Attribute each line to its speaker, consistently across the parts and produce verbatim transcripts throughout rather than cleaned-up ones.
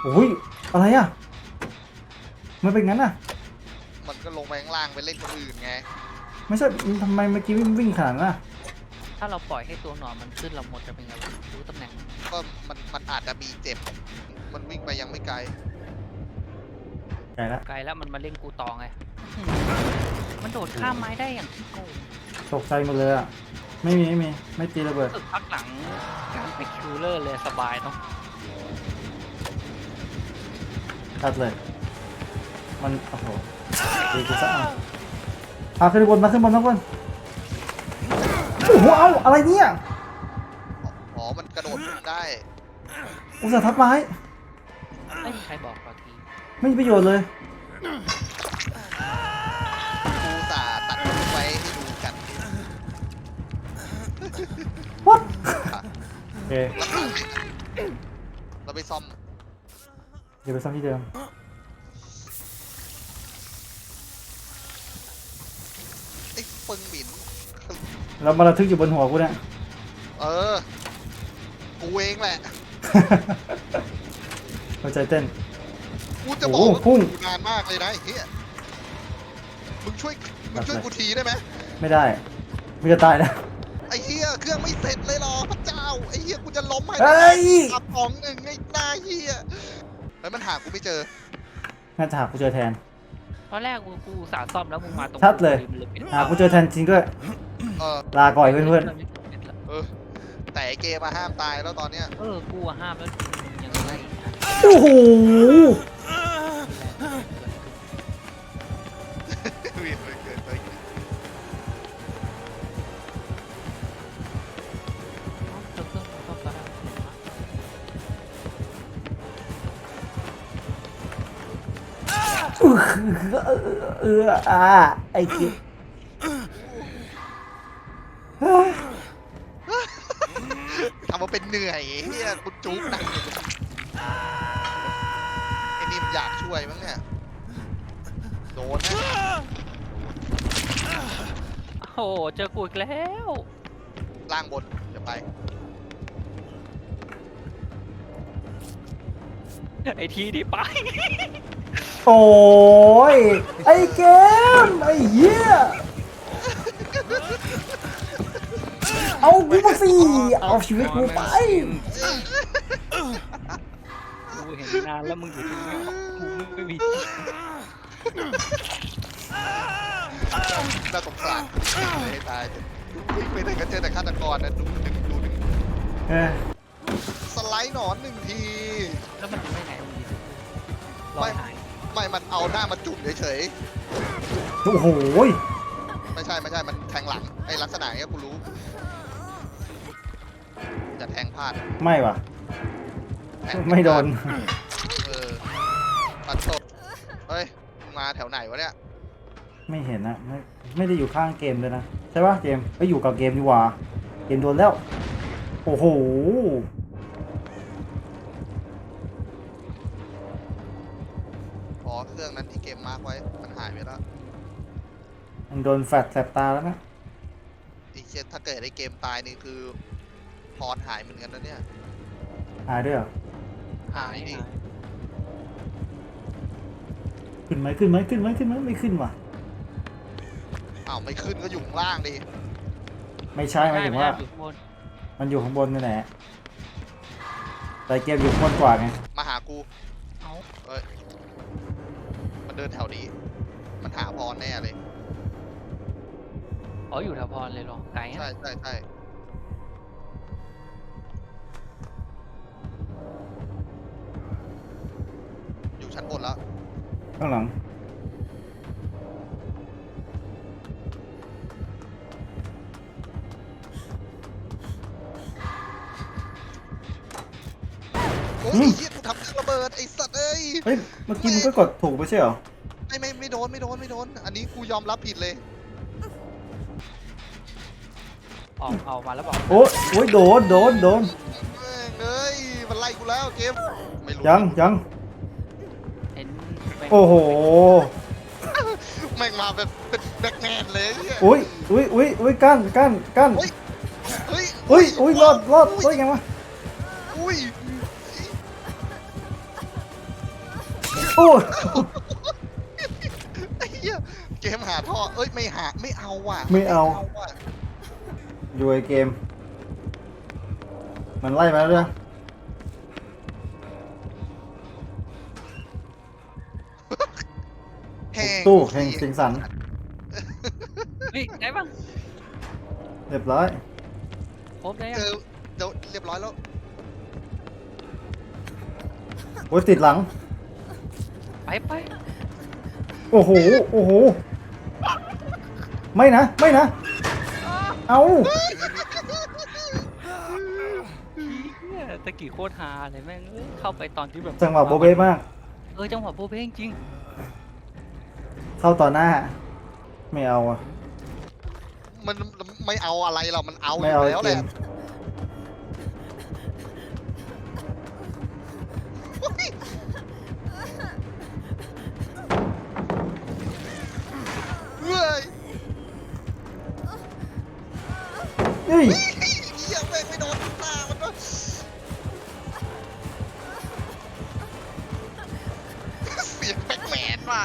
Speaker 1: โอ้ยอะไรอ่ะมันเป็นงั้นอ่ะ
Speaker 2: มันก็ลงไปข้างล่างไปเล่นคนอื่นไง
Speaker 1: ไม่ใช่ทำไมเมื่อกี้วิ่งวิ่งขนาดนั้นอ่ะ
Speaker 3: ถ้าเราปล่อยให้ตัวหนอนมันขึ้นเราหมดจะเป็นไงวะรู้ตำแหน่งมัน
Speaker 2: ก็มันมันอาจจะมีเจ็บมันวิ่งไปยังไม่ไกล
Speaker 1: ไกลละ
Speaker 3: ไกลแล้วมันมาเล่นกูต่อไงอืมมันโดดข้ามไม้ได้อย่างที่โกง
Speaker 1: ตกใจหมดเลยอ่ะไม่มีไม่มีไม่ตีระเบิด
Speaker 3: สึกพักหลังการไปคิวเลอร์เลยสบายเนาะ
Speaker 1: ตัดเลยมันโอ้โหตีกูซะอ่ะอ่ะขึ้นบนมาขึ้นบนมาขึ้นบนโอ้โหเอาอะไรเนี่ย
Speaker 2: อ๋อมันกระโดดขึ้นได้
Speaker 1: อุตส่าห์ทับไม้
Speaker 3: ไม่มีใครบอกเมื่อกี้
Speaker 1: ไม่มีประโยชน์เลย
Speaker 2: กูตาตัดมันไว้ให้ดูกัน
Speaker 1: วัดโอเค
Speaker 2: แล้วขาเราไปซ่อม
Speaker 1: เดี๋ยวไปซ่อมที่เดิม
Speaker 2: ไอ้ปึงหมิ่น
Speaker 1: แล้วมาระทึกอยู่บนหัวกูเนี่ย
Speaker 2: เออกูเองแหละ
Speaker 1: หัวใจเต้น
Speaker 2: กูจะบอก
Speaker 1: โอ้
Speaker 2: ว่า
Speaker 1: โหพุ่ง
Speaker 2: กูนานมากเลยนะไอ้เฮียมึงช่วยมึงช่วยกูทีได้ไหม
Speaker 1: ไม่ได้ไม่จะตายนะ
Speaker 2: ไอ้เฮียเครื่องไม่เสร็จเลยหรอพระเจ้าไอ้เฮียกูจะล้มให้
Speaker 1: เฮ้ย
Speaker 2: อับสองหนึ่งไอ้หน้าเฮียแล้วมันหากูไม่เจอ
Speaker 1: น่าจะหากูเจอแทน
Speaker 3: ตอนแรกกูกูอุตสาห์ซ่อมแล้วมึงมาตรง
Speaker 1: ชัดเลย
Speaker 3: มันไม่ได้
Speaker 1: หากูเจอแทนจริงด้วย
Speaker 2: เออ
Speaker 1: ลาก่อยเพื่อน
Speaker 2: เออแต่ไอ้เกมมาห้ามตายแล้วตอนเนี้ย
Speaker 3: เออกูอะห้ามแล้วมึงยังไงอีกนะ
Speaker 1: ๆโอ้โห
Speaker 2: เวียนเลยเกินไป
Speaker 3: เจอเครื่องซ่อมแล้ว
Speaker 1: เอออ่าไอ้เกิ๊ก
Speaker 2: ทำมาเป็นเหนื่อยเฮียกูจุกหนักไอ้นี่มันอยากช่วยมั้งเนี่ยโดนนะ
Speaker 3: โอ้โหเจอกูอีกแล้ว
Speaker 2: ล่างบนเดี๋ยวไป
Speaker 3: ไอทีที่ไป
Speaker 1: โอ้ยไอ้เกมไอ้เหี้ยเอากูมาสิเอาชีวิตกูไป
Speaker 3: กูเห็นนานแล้วมึงอยู่ที่นี่กูไม่มี
Speaker 2: น่าสงสารไม่ตายวิ่งไปไหนก็เจอแต่ฆาตกรนะดูดึงดูดึง
Speaker 1: เออ
Speaker 2: สไลด์หนอนหนึ่งที
Speaker 3: แล้วมันไม่ไหนมึงดีรอยหาย
Speaker 2: ไม่มันเอาหน้ามาจุ่มเฉย
Speaker 1: โอ้โห
Speaker 2: ๆไม่ใช่ไม่ใช่มันแทงหลังไอ้ลักษณะอย่างเงี้ยกูรู้จะแทงพลาด
Speaker 1: ไม่ว่ะ
Speaker 2: แทง
Speaker 1: ไม่โดน
Speaker 2: เออปัดตบเฮ้ยมึงมาแถวไหนวะเนี่ย
Speaker 1: ไม่เห็นนะไม่ไม่ได้อยู่ข้างเกมเลยนะใช่ป่ะเกมไปอยู่กับเกมดีกว่าเกมโดนแล้วโอ้โห
Speaker 2: อ๋อเครื่องนั้นที่เกมมาร์กไว้มันหายไปแล้ว
Speaker 1: มันโดนแฟลชแสบตาแล้วนะ
Speaker 2: ไอ้เช่นถ้าเกิดไอ้เกมตายนี่คือพรหายเหมือนกันนะเนี่ย
Speaker 1: หายด้วยเหรอ
Speaker 2: หายดิ
Speaker 1: ขึ้นไหมขึ้นไหมขึ้นไหมขึ้นไหมไม่ขึ้นว่ะ
Speaker 2: อ้าวไม่ขึ้นก็อยู่ข้างล่างดิ
Speaker 1: ไม่ใช่หมายถึงว่า
Speaker 3: อยู่ข้างบน
Speaker 1: มันอยู่ข้างบนนี่แหละแต่เกมอยู่ข้างบนกว่าไง
Speaker 2: มาหากู
Speaker 3: เอา
Speaker 2: เอ้ยมันเดินแถวนี้ มันหาพรแน่เลย
Speaker 3: อ๋ออยู่แถวพรเลยเหรอไกล
Speaker 2: ใช่
Speaker 3: อ่ะ
Speaker 2: ใช่ใช่อยู่ชั้นบนแล้ว
Speaker 1: ข้างหลัง
Speaker 2: โอ้ยไอ้เหี้ยกูทำเครื่องระเบิดไอ้สัตว์เอ้ย
Speaker 1: เฮ้ยเมื่อกี้มันก็กดถูกไม่ใช่เหรอ
Speaker 2: ไม่ไม่ไม่โดนไม่โดนไม่โดน อันนี้กูยอมรับผิดเลย
Speaker 3: ออกเอามาแล้วบอก
Speaker 1: โอ้ยโอ้ยโดนโดนโดน
Speaker 2: แม่งเอ้ยมันไล่กูแล้วเกมไม่รู้
Speaker 1: ยังยัง
Speaker 3: เห็นไป
Speaker 1: โอ้โห
Speaker 2: แม่งมาแบบเป็นแบ็กแมนเลยไอ้เหี้ย
Speaker 1: อุ้ยอุ้ยอุ้ยอุ้ยกั้นกั้นกั้น
Speaker 2: เฮ้ยเฮ้ย
Speaker 1: อุ้ยอุ้ยรอดรอดรอดยังวะ
Speaker 2: อุ้ย
Speaker 1: โอ้ย
Speaker 2: ไอ้เหี้ยเกมหาท่อเอ้ยไม่หาไม่เอาว่ะ
Speaker 1: ไม่เอา
Speaker 2: ว่ะ
Speaker 1: อยู่ไอเกม มันไล่มาแล้วเนี่ย
Speaker 2: แห้ง
Speaker 1: ตู้แห่งสิงสัน
Speaker 3: เฮ้ยได้ปะ
Speaker 1: เรียบร้อย
Speaker 3: ครบได้ยั
Speaker 2: เจอเดี๋ยวเรียบร้อยแล้ว
Speaker 1: โอ้ยติดหลัง
Speaker 3: ไปไป
Speaker 1: โอ้โห โอ้โห ไม่นะ ไม่นะ เอา
Speaker 3: เหี้ยตะกี้โคตรฮาเลยแม่งเอ้ยเข้าไปตอนที่แบบ
Speaker 1: จังหวะโบเบ้มาก
Speaker 3: เออจังหวะโบเบ้จริง
Speaker 1: เข้าต่อหน้า ไม่เอาอะ
Speaker 2: มันไม่เอาอะไรเรามันเอาอ
Speaker 1: ไม่
Speaker 2: ยู่
Speaker 1: เอาไอ
Speaker 2: แล้ว
Speaker 1: เก
Speaker 2: แหละ
Speaker 1: ม
Speaker 2: เฮ้ย
Speaker 1: เฮ้ย
Speaker 2: เหี้ยแม่งไม่โดนหน้ามันวะเสียงแปลกๆว่ะ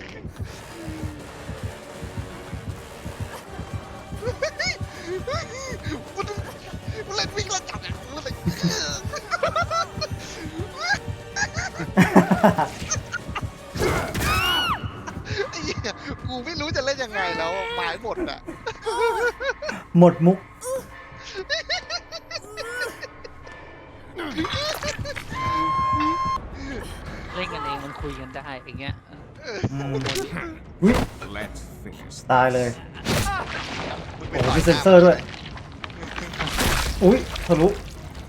Speaker 2: มันมันเล่นวิ่งแล้วจับอ่ะมันเลย ไอ้เหี้ยกูไม่รู้จะเล่นยังไงแล้วหมายหมดอ่ะ
Speaker 1: หมดมุก
Speaker 3: ๆเล่นกันเองมันคุยกันได้อย่างเงี้ย
Speaker 1: อืมอุ้ย
Speaker 4: Let's finish.
Speaker 1: ตายเลย
Speaker 2: มึงไป
Speaker 1: โอ้โห
Speaker 2: ต่ย
Speaker 1: มีเซ็นเซอร์ด้วย อุ้ยทะลุ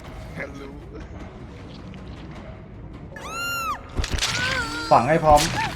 Speaker 2: รู้
Speaker 1: ฝังให้พร้อม